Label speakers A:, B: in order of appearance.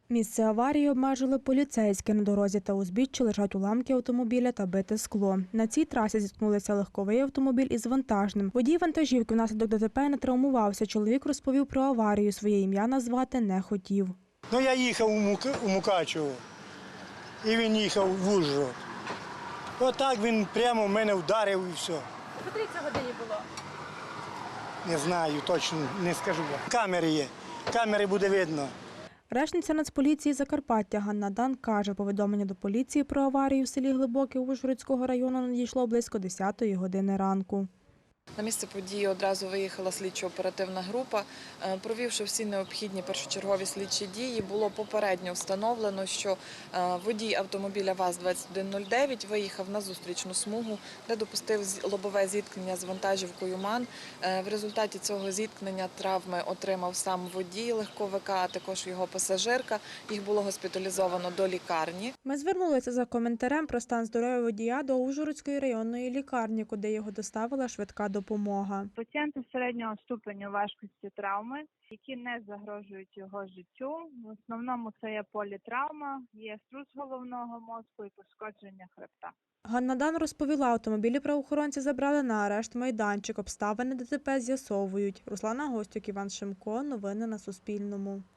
A: Місце аварії обмежили поліцейські. На дорозі та узбіччі лежать уламки автомобіля та бите скло. На цій трасі зіткнулися легковий автомобіль із вантажним. Водій вантажівки внаслідок ДТП не травмувався. Чоловік розповів про аварію. Своє ім'я назвати не хотів.
B: Я їхав у Мукачево, і він їхав в Ужгород. Отак він прямо в мене вдарив і все.
C: По котрій це годині було?
B: Не знаю, точно не скажу. Камери є, камери буде видно.
A: Речниця Нацполіції Закарпаття Ганна Дан каже, повідомлення до поліції про аварію в селі Глибоке Ужгородського району надійшло близько 10-ї години ранку.
D: На місце події одразу виїхала слідчо-оперативна група. Провівши всі необхідні першочергові слідчі дії, було попередньо встановлено, що водій автомобіля ВАЗ-2109 виїхав на зустрічну смугу, де допустив лобове зіткнення з вантажівкою МАН. В результаті цього зіткнення травми отримав сам водій легковика, а також його пасажирка. Їх було госпіталізовано до лікарні.
A: Ми звернулися за коментарем про стан здоров'я водія до Ужгородської районної лікарні, куди його доставила швидка допомога.
E: Пацієнти середнього ступеню важкості травми, які не загрожують його життю. В основному це є політравма, є струс головного мозку і пошкодження хребта.
A: Ганна Дан розповіла, автомобілі правоохоронці забрали на арешт майданчик. Обставини ДТП з'ясовують. Руслана Гостюк, Іван Шимко. Новини на Суспільному.